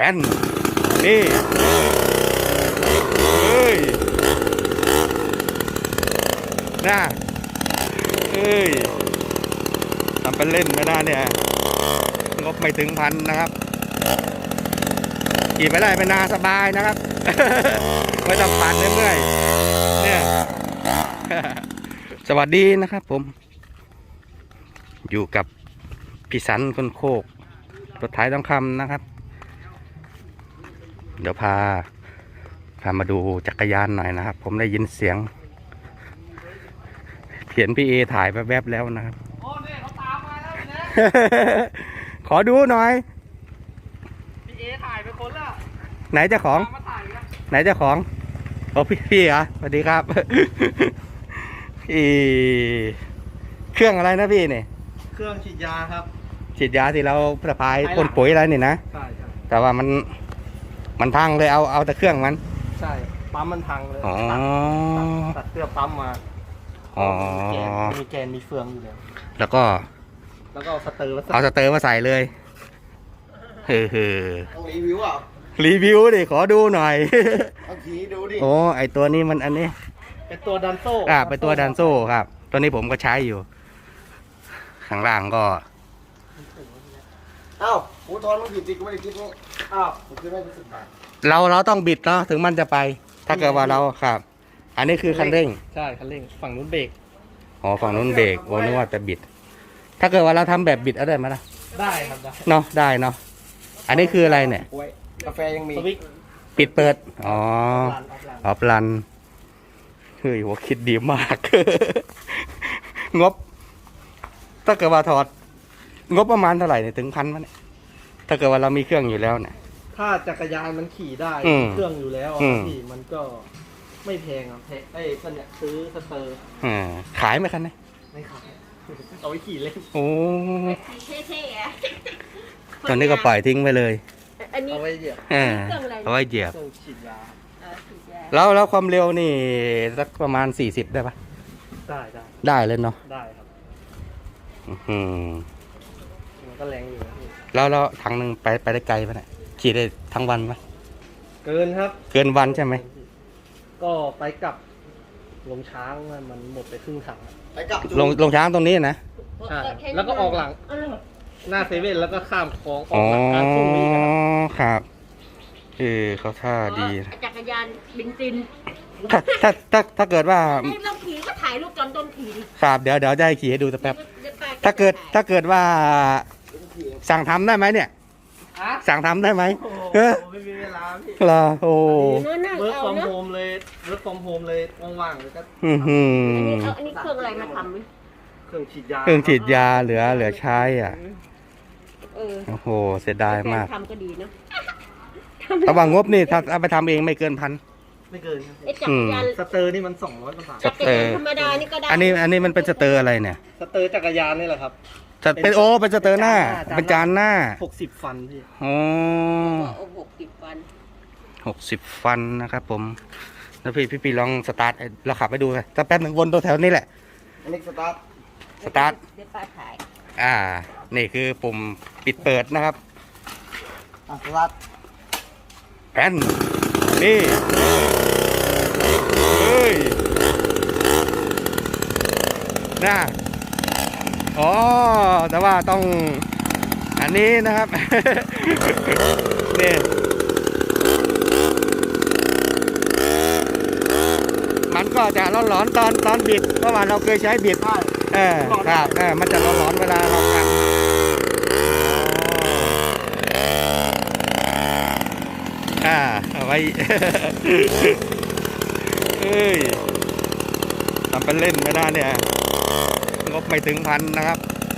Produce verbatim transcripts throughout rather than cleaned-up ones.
ผ่นนี่เอ้ยน่าเอ้ยทำเป็นเล่นไม่ได้เนี่ยงบไม่ถึงพันนะครับขี่ไปได้ไปนาสบายนะครับ ไม่ต้องปั่นเมื่อยๆเนี่ย สวัสดีนะครับผมอยู่กับพี่สันคนโคกรถไถทองคำนะครับเดี๋ยวพาพามาดูจักรยานหน่อยนะครับผมได้ยินเสียงเขียนพี่เอถ่ายแวบๆแล้วนะครับโอ้เนี่ยเขาตามมาแล้วนะขอดูหน่อยพี่เอถ่ายไปคนละไหนเจ้าของไหนเจ้าของโอ้พี่พี่เหรอสวัสดีครับ พี่เครื่องอะไรนะพี่เนี่ยเครื่องฉีดยาครับฉีดยาที่เราสะพายพ่นปุ๋ยอะไรนี่นะใช่ใช่แต่ว่ามันมันพังเลยเอาเอาแต่เครื่องมันใช่ปั๊มมันพังเลยตัดเสื้อปั๊มมาอ๋อมีแกนมีเฟืองอยู่แล้วแล้วก็แล้วก็สเตอร์เอาสเตอร์มาใส่เลยเฮ้อเฮ้อต้องรีวิวอ่ะรีวิวดิขอดูหน่อยเอาขี่ดูดิโอ้ไอตัวนี้มันอันนี้เป็นตัวดันโซ่อ่าเป็นตัวดันโซ่ครับตัวนี้ผมก็ใช้อยู่ข้างล่างก็อ้าวหูทอนมันผิดจริงก็ไม่ได้คิดนี่อ้าวผมคิดว่าจะสิบบาทเราเราต้องบิดเนาะถึงมันจะไปถ้าเกิดว่าเราครับอันนี้คือคันเร่งใช่คันเร่งฝั่งนู้นเบรกอ๋อฝั่งนู้นเบรกโอ้นึกว่าจะบิดถ้าเกิดว่าเราทำแบบบิดเอาได้ไหมล่ะได้ครับได้เนาะได้เนาะอันนี้คืออะไรเนี่ยกาแฟยังมีปิดเปิดอ๋อออฟลันเฮ้ยหัวคิดดีมาก งบถ้าเกิดว่าถอดงบประมาณเท่าไหร่เนี่ยถึงพันมั้ยเนี่ยถ้าเกิดว่าเรามีเครื่องอยู่แล้วเนี่ยถ้าจักรยานมันขี่ได้เครื่องอยู่แล้วขี่มันก็ไม่แพงอ่ะแพงไอ้คนเนี่ยซื้อสเตอร์อ่าขายไหมคันนี้ไม่ขายเอาไว้ขี่เล่นโอ้เท่ๆอ่ะตอนนี้ก็ปล่อยทิ้งไปเลยอันนี้เอาไว้เหยียบเอาไว้เหยียบฉีดยาแล้วแล้วความเร็วนี่สักประมาณสี่สิบได้ปะได้ได้ได้เลยเนาะได้ครับอืมมันก็แรงอยู่แล้วแล้วถังหนึ่งไปไปได้ไกลปะเนี่ยขี่ได้ทั้งวันปะเกินครับเกินวันใช่ไหมก็ไปกลับลงช้างมันหมดไปครึ่งถังไปกลับลงลงช้างตรงนี้นะใช่แล้วก็ออกหลังหน้าเซเว่นแล้วก็ข้ามคลองออกหลังการทุ่งนี้ครับเออเขาท่าดีจักรยานบินซินถ้าถ้าถ้าถ้าเกิดว่าไม่ต้องขี่ก็ถ่ายรูปตอนต้นขี่ดิครับเดี๋ยวเดี๋ยวจะให้ขี่ให้ดูสักแป๊บถ้าเกิดถ้าเกิดว่าสั่งทำได้ไหมเนี่ยสั่งทำได้ไหมเออไม่มีเวลาพี่เหรอโอ้เวิร์กฟอร์มโฮมเลยเวิร์กฟอร์มโฮมเลยว่างๆเลยก็อือหืออันนี้เครื่องอะไรมาทำเครื่องฉีดยาเครื่องฉีดยาเหลือเหลือใช้อ่ะโอ้โหเสียดายมากทำก็ดีนะระหว่างงบนี่ถ้าเอาไปทำเองไม่เกินพันไม่เกินจักรยานสเตอร์นี่มันสองร้อยกว่าบาทสเตอร์ธรรมดานี่ก็ได้อันนี้อันนี้มันเป็นสเตอร์อะไรเนี่ยสเตอร์จักรยานนี่แหละครับจะเป็นโอ้เป็นสเตอร์หน้าเป็นจานหน้าหกสิบฟันพี่โอ้หกสิบฟันหกสิบฟันนะครับผมแล้วพี่พี่พี่ลองสตาร์ทเราขับไปดูกันสักแป๊บหนึ่งวนตัวแถวนี้แหละอันนี้สตาร์ทสตาร์ทเดี๋ยวป้าถ่ายอ่านี่คือปุ่มปิดเปิดนะครับอ่ะสตาร์ทแผ่นนี่เฮ้ยน่าอ๋อแต่ว่าต้องอันนี้นะครับ นี่มันก็จะร้อนๆตอนตอนบิดเพราะว่าเราเคยใช้บิดเออครับเออมันจะร้อนๆเวลาเราขับอ่าเอาไว้เอ้ยทำเป็นเล่นไม่ได้เนี่ยงบไม่ถึงพันนะครับ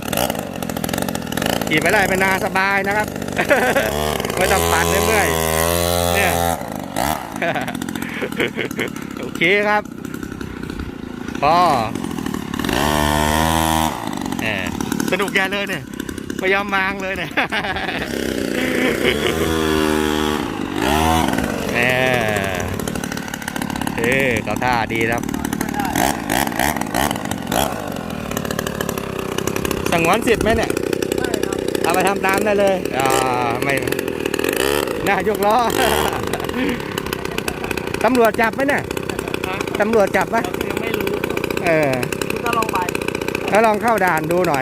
ขี่ไปได้ไปนาสบายนะครับไม่ต้องปั่นเมื่อยๆเนี่ยโอเคครับพอสนุกแย่เลยเนี่ยไม่ยอมมางเลยเนี่ยเนี่ยเออเขาท่าดีครับสงวนสิทธิ์ไหมเนี่ยเอาไปทำตามได้เลยอ่าไม่หน้ายกล้อ ตำรวจจับไหมเนี่ยฮะตำรวจจับไหมยังไม่รู้เออคุณก็ลองไปแล้วลองเข้าด่านดูหน่อย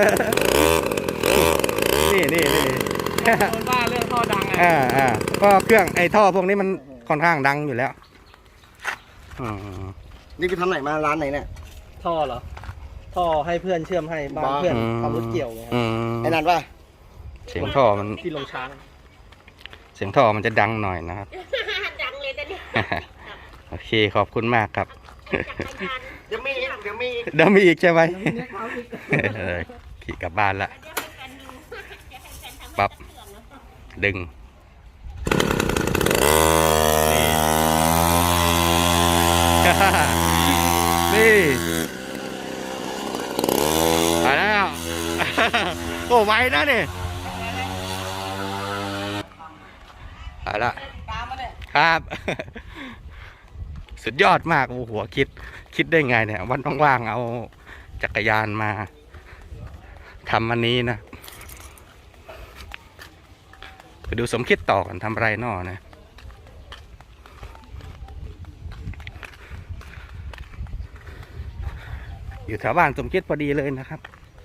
นี่นี่นี่โดนว่าเรื่องท่อดังไงอ่าอ่าก็เครื่องไอ้ท่อพวกนี้มันค่อนข้างดังอยู่แล้วอืมนี่คือทำไหนมาร้านไหนเนี่ยท่อเหรอ ท่อให้เพื่อนเชื่อมให้บ้านเพื่อนทำรถเกี่ยวไงอืมไอ้นั่นป่ะเสียงท่อมันที่ลงช้างเสียงท่อมันจะดังหน่อยนะครับดังเลยแต่นี่โอเคขอบคุณมากครับจักรยานเดี๋ยวมีอีกเดี๋ยวมีอีกเดี๋ยวมีอีกใช่ไหมเออขี่กลับบ้านละเดี๋ยวให้แฟนดูเดี๋ยวให้แฟนทำปั๊บเครื่องนะดึงนี่ นี่มาแล้ว โอ้ไวนะนี่เอาละครับ สุดยอดมากโอ้โหคิด คิดได้ไงเนี่ย วันว่างๆเอาจักรยานมาทำอันนี้นะไปดูสมคิดต่อกันทำไรนอนะอยู่แถวบ้านสมคิดพอดีเลยนะครับ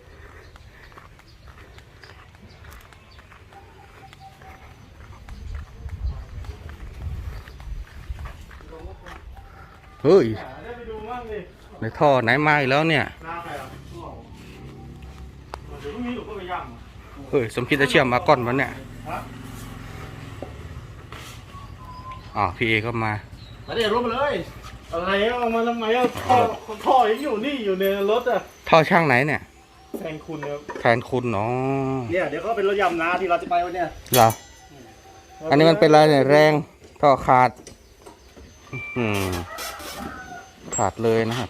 เฮ้ยได้ไปดูบ้างดิในท่อไหนมาอีกแล้วเนี่ยหน้าใครอ่ะเดี๋ยวพรุ่งนี้หนูก็ไปย่ำเฮ้ยสมคิดจะเชื่อมมาก้อนวันเนี่ยอ๋อพี่เอก็มามาเดี๋ยวรถมาเลยอะไรเอามาทำไมอ่ะท่อท่อยังอยู่นี่อยู่ในรถอ่ะท่อช่างไหนเนี่ยแทนคุณครับแทนคุณเนาะเนี่ยเดี๋ยวก็เป็นรถยำนะที่เราจะไปวันเนี้ยเหรออันนี้มันเป็นอะไรเนี่ยแรงท่อขาดอืมขาดเลยนะครับ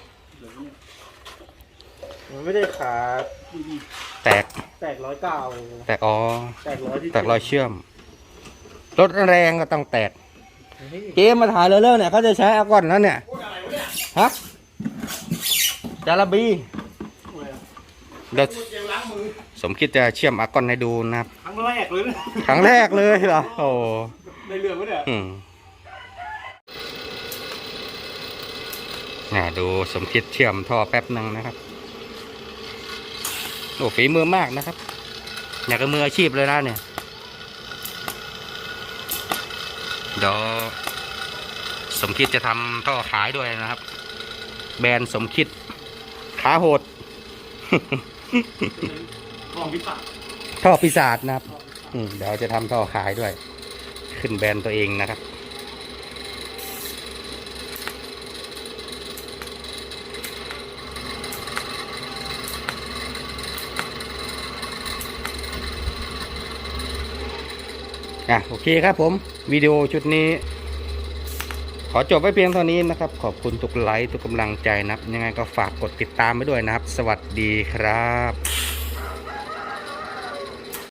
มันไม่ได้ขาดแตกแตกร้อยเก้าแตกอ๋อแตกร้อยที่แตกรอยเชื่อม รถแรงก็ต้องแตก เกมมาถ่ายเร็วๆเนี่ยเขาจะใช้อากอนแล้วเนี่ย ฮะ จาระบีเดี๋ยวสมคิดจะเชื่อมอากอนให้ดูนะครับครั้งแรกเลยนะครั้งแรกเลยเหรอ โอ้ในเรื่องวะเนี่ยอืมน่าดูสมคิดเชื่อมท่อแป๊บหนึ่งนะครับ โอ้ฝีมือมากนะครับ อยากกับมืออาชีพเลยนะเนี่ยเดี๋ยวสมคิดจะทำท่อขายด้วยนะครับ แบรนด์สมคิดขาโหดของพิศาจท่อปีศาจนะครับอืมเดี๋ยวจะทำท่อขายด้วย ขึ้นแบรนด์ตัวเองนะครับอ่ะโอเคครับผมวิดีโอชุดนี้ ขอจบไว้เพียงเท่านี้นะครับ ขอบคุณทุกไลค์ทุกกำลังใจนะครับ ยังไงก็ฝากกดติดตามไปด้วยนะครับ สวัสดีครับ